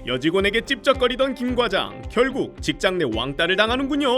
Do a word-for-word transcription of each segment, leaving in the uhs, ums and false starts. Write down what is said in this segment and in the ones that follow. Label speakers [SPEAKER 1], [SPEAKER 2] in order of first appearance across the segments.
[SPEAKER 1] 여직원에게 찝쩍거리던 김 과장, 결국 직장 내 왕따를 당하는군요.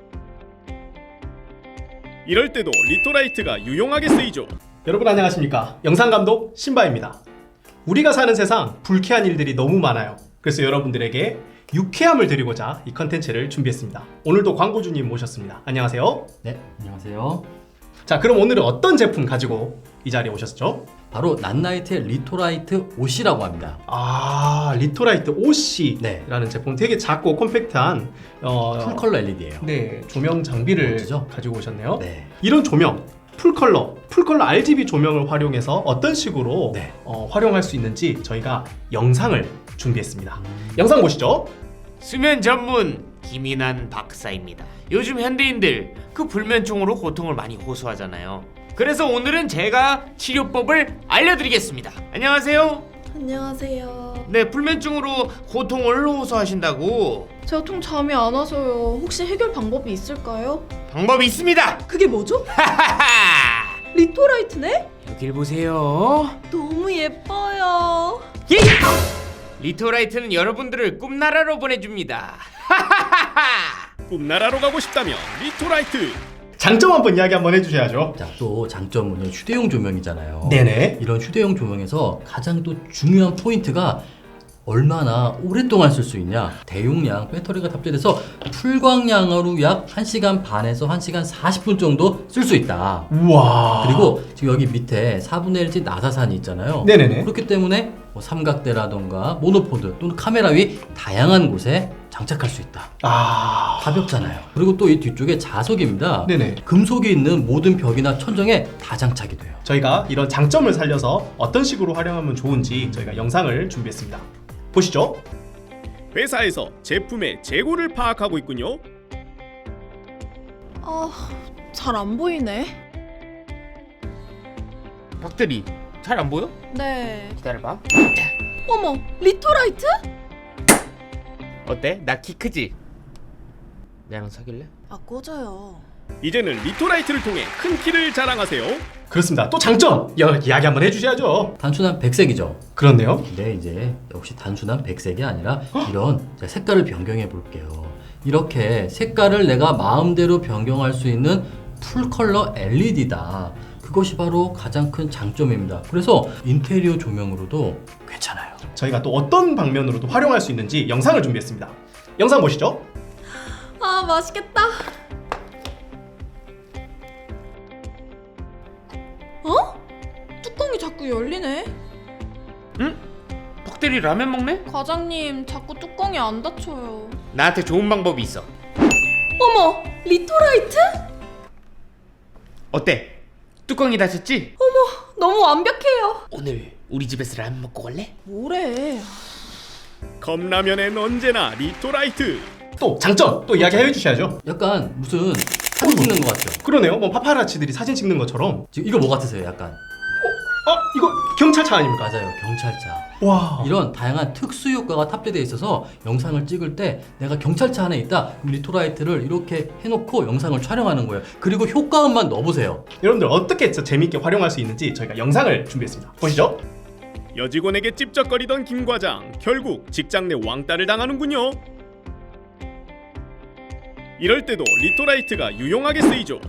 [SPEAKER 1] 이럴 때도 리토라이트가 유용하게 쓰이죠.
[SPEAKER 2] 여러분 안녕하십니까? 영상감독 신바입니다. 우리가 사는 세상 불쾌한 일들이 너무 많아요. 그래서 여러분들에게 유쾌함을 드리고자 이 컨텐츠를 준비했습니다. 오늘도 광고주님 모셨습니다. 안녕하세요.
[SPEAKER 3] 네, 안녕하세요.
[SPEAKER 2] 자, 그럼 오늘은 어떤 제품 가지고 이 자리에 오셨죠?
[SPEAKER 3] 바로 낫나이트의 리토라이트 오씨라고 합니다.
[SPEAKER 2] 아, 리토라이트 오씨라는
[SPEAKER 3] 네.
[SPEAKER 2] 제품, 되게 작고 컴팩트한 어,
[SPEAKER 3] 풀컬러 엘이디예요.
[SPEAKER 2] 네, 조명 장비를
[SPEAKER 3] 멋지죠?
[SPEAKER 2] 가지고 오셨네요.
[SPEAKER 3] 네.
[SPEAKER 2] 이런 조명, 풀컬러, 풀컬러 알지비 조명을 활용해서 어떤 식으로
[SPEAKER 3] 네.
[SPEAKER 2] 어, 활용할 수 있는지 저희가 영상을 준비했습니다. 음... 영상 보시죠.
[SPEAKER 4] 수면 전문 김인환 박사입니다. 요즘 현대인들 그 불면증으로 고통을 많이 호소하잖아요. 그래서 오늘은 제가 치료법을 알려드리겠습니다. 안녕하세요.
[SPEAKER 5] 안녕하세요.
[SPEAKER 4] 네, 불면증으로 고통을 호소하신다고.
[SPEAKER 5] 제가 통 잠이 안 와서요. 혹시 해결 방법이 있을까요?
[SPEAKER 4] 방법이 있습니다.
[SPEAKER 5] 그게 뭐죠?
[SPEAKER 4] 하하하.
[SPEAKER 5] 리토라이트네?
[SPEAKER 4] 여길 보세요.
[SPEAKER 5] 너무 예뻐요.
[SPEAKER 4] 예! 리토라이트는 여러분들을 꿈나라로 보내줍니다. 하하하하.
[SPEAKER 1] 꿈나라로 가고 싶다면 리토라이트.
[SPEAKER 2] 장점 한번 이야기 한번 해주셔야죠.
[SPEAKER 3] 자, 또 장점은 휴대용 조명이잖아요.
[SPEAKER 2] 네네.
[SPEAKER 3] 이런 휴대용 조명에서 가장 또 중요한 포인트가 얼마나 오랫동안 쓸 수 있냐. 대용량 배터리가 탑재돼서 풀광량으로 약 한 시간 반에서 한 시간 사십 분 정도 쓸 수 있다.
[SPEAKER 2] 우와.
[SPEAKER 3] 그리고 지금 여기 밑에 사분의 일지 나사산이 있잖아요.
[SPEAKER 2] 네네네.
[SPEAKER 3] 그렇기 때문에 뭐 삼각대라던가 모노포드 또는 카메라 위 다양한 곳에 장착할 수 있다.
[SPEAKER 2] 아,
[SPEAKER 3] 가볍잖아요. 그리고 또 이 뒤쪽에 자석입니다.
[SPEAKER 2] 네네.
[SPEAKER 3] 금속이 있는 모든 벽이나 천정에 다 장착이 돼요.
[SPEAKER 2] 저희가 이런 장점을 살려서 어떤 식으로 활용하면 좋은지 저희가 영상을 준비했습니다. 보시죠.
[SPEAKER 1] 회사에서 제품의 재고를 파악하고 있군요.
[SPEAKER 5] 아, 잘 안 보이네.
[SPEAKER 4] 박대리, 잘 안 보여?
[SPEAKER 5] 네.
[SPEAKER 4] 기다려봐.
[SPEAKER 5] 어머, 리토라이트?
[SPEAKER 4] 어때? 나 키 크지? 나랑 사귈래?
[SPEAKER 5] 아, 꺼져요.
[SPEAKER 1] 이제는 리토라이트를 통해 큰 키를 자랑하세요.
[SPEAKER 2] 그렇습니다. 또 장점 여, 이야기 한번 해주셔야죠.
[SPEAKER 3] 단순한 백색이죠.
[SPEAKER 2] 그렇네요.
[SPEAKER 3] 근데 이제 역시 단순한 백색이 아니라 이런 색깔을 변경해 볼게요. 이렇게 색깔을 내가 마음대로 변경할 수 있는 풀컬러 엘이디다. 그것이 바로 가장 큰 장점입니다. 그래서 인테리어 조명으로도 괜찮아요.
[SPEAKER 2] 저희가 또 어떤 방면으로도 활용할 수 있는지 영상을 준비했습니다. 영상 보시죠.
[SPEAKER 5] 아, 맛있겠다. 어? 뚜껑이 자꾸 열리네.
[SPEAKER 4] 응? 박대리 라면 먹네?
[SPEAKER 5] 과장님, 자꾸 뚜껑이 안 닫혀요.
[SPEAKER 4] 나한테 좋은 방법이 있어.
[SPEAKER 5] 어머, 리토라이트?
[SPEAKER 4] 어때? 뚜껑이 닫혔지?
[SPEAKER 5] 너무 완벽해요.
[SPEAKER 4] 오늘 우리 집에서 라면 먹고 갈래?
[SPEAKER 5] 뭐래?
[SPEAKER 1] 컵라면엔 언제나 리토라이트.
[SPEAKER 2] 또 장점 또 이야기 해주셔야죠.
[SPEAKER 3] 약간 무슨 사진 찍는 것 같죠?
[SPEAKER 2] 그러네요. 뭐 파파라치들이 사진 찍는 것처럼.
[SPEAKER 3] 지금 이거 뭐 같으세요? 약간
[SPEAKER 2] 아, 이거 경찰차 아닙니까?
[SPEAKER 3] 맞아요. 경찰차.
[SPEAKER 2] 와.
[SPEAKER 3] 이런 다양한 특수 효과가 탑재되어 있어서 영상을 찍을 때 내가 경찰차 안에 있다. 그럼 리토라이트를 이렇게 해놓고 영상을 촬영하는 거예요. 그리고 효과음만 넣어보세요.
[SPEAKER 2] 여러분들 어떻게 재미있게 활용할 수 있는지 저희가 영상을 준비했습니다. 보시죠.
[SPEAKER 1] 여직원에게 찝쩍거리던 김 과장, 결국 직장 내 왕따를 당하는군요. 이럴 때도 리토라이트가 유용하게 쓰이죠.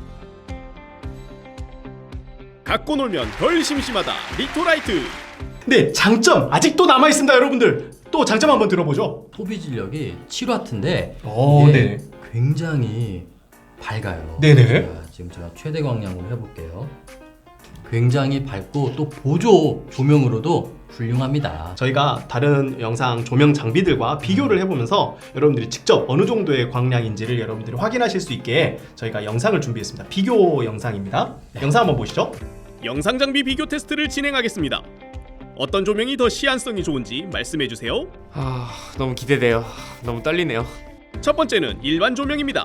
[SPEAKER 1] 갖고 놀면 덜 심심하다. 리토라이트.
[SPEAKER 2] 네, 장점 아직도 남아 있습니다, 여러분들. 또 장점 한번 들어보죠.
[SPEAKER 3] 소비 진력이 칠 와트인데
[SPEAKER 2] 오,
[SPEAKER 3] 이게
[SPEAKER 2] 네.
[SPEAKER 3] 굉장히 밝아요.
[SPEAKER 2] 네네.
[SPEAKER 3] 제가 지금 제가 최대 광량으로 해볼게요. 굉장히 밝고 또 보조 조명으로도 훌륭합니다.
[SPEAKER 2] 저희가 다른 영상 조명 장비들과 비교를 해보면서 여러분들이 직접 어느 정도의 광량인지를 여러분들이 확인하실 수 있게 저희가 영상을 준비했습니다. 비교 영상입니다.
[SPEAKER 3] 네.
[SPEAKER 2] 영상 한번 보시죠.
[SPEAKER 1] 영상 장비 비교 테스트를 진행하겠습니다. 어떤 조명이 더 시안성이 좋은지 말씀해 주세요.
[SPEAKER 4] 아, 너무 기대돼요. 너무 떨리네요.
[SPEAKER 1] 첫 번째는 일반 조명입니다.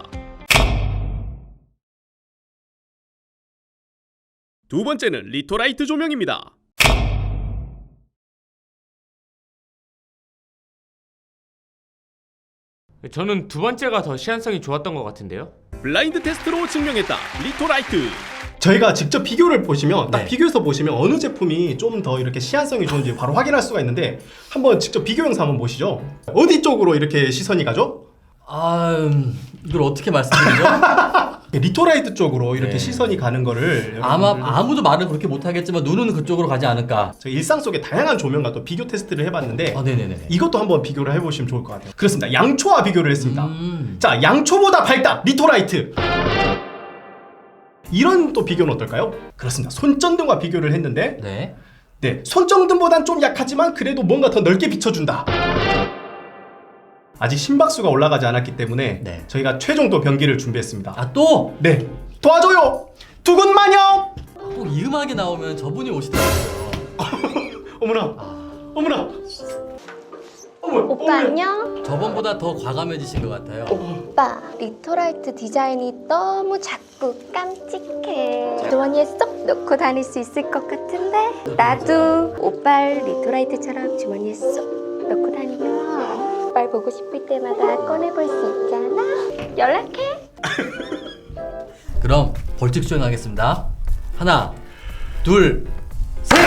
[SPEAKER 1] 두 번째는 리토라이트 조명입니다.
[SPEAKER 4] 저는 두 번째가 더 시한성이 좋았던 것 같은데요.
[SPEAKER 1] 블라인드 테스트로 증명했다. 리토라이트.
[SPEAKER 2] 저희가 직접 비교를 보시면 딱
[SPEAKER 3] 네.
[SPEAKER 2] 비교해서 보시면 어느 제품이 좀 더 이렇게 시한성이 좋은지 바로 확인할 수가 있는데 한번 직접 비교 영상 한번 보시죠. 어디 쪽으로 이렇게 시선이 가죠?
[SPEAKER 3] 아, 음, 이걸 어떻게 말씀드리죠?
[SPEAKER 2] 리토라이트 쪽으로 이렇게
[SPEAKER 3] 네.
[SPEAKER 2] 시선이 가는 거를
[SPEAKER 3] 아마
[SPEAKER 2] 여러분들
[SPEAKER 3] 아무도 말은 그렇게 못하겠지만 눈은 그쪽으로 가지 않을까.
[SPEAKER 2] 저희 일상 속의 다양한 조명과 또 비교 테스트를 해봤는데
[SPEAKER 3] 아, 네네네.
[SPEAKER 2] 이것도 한번 비교를 해보시면 좋을 것 같아요. 그렇습니다. 양초와 비교를 했습니다.
[SPEAKER 3] 음.
[SPEAKER 2] 자, 양초보다 밝다 리토라이트. 이런 또 비교는 어떨까요? 그렇습니다. 손전등과 비교를 했는데
[SPEAKER 3] 네.
[SPEAKER 2] 네, 손전등보단 좀 약하지만 그래도 뭔가 더 넓게 비춰준다. 아직 심박수가 올라가지 않았기 때문에
[SPEAKER 3] 네.
[SPEAKER 2] 저희가 최종 또 변기를 준비했습니다.
[SPEAKER 3] 아, 또!
[SPEAKER 2] 네, 도와줘요. 두근마녀.
[SPEAKER 3] 꼭 이 음악이 나오면 저분이 오시더라고요.
[SPEAKER 2] 어머나, 어머나. 어머,
[SPEAKER 6] 오빠
[SPEAKER 2] 어머나.
[SPEAKER 6] 안녕?
[SPEAKER 3] 저번보다 더 과감해지신 것 같아요.
[SPEAKER 6] 오빠 리토라이트 디자인이 너무 작고 깜찍해. 주머니에 쏙 넣고 다닐 수 있을 것 같은데 나도 오빠 리토라이트처럼 주머니에 쏙 넣고 다니면 오빠 보고 싶을 때마다 꺼내볼 수 있잖아. 연락해.
[SPEAKER 3] 그럼 벌칙 수행하겠습니다. 하나, 둘, 셋!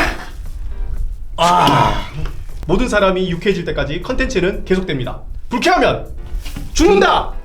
[SPEAKER 2] 모든 사람이 유쾌해질 때까지 컨텐츠는 계속됩니다. 불쾌하면 죽는다.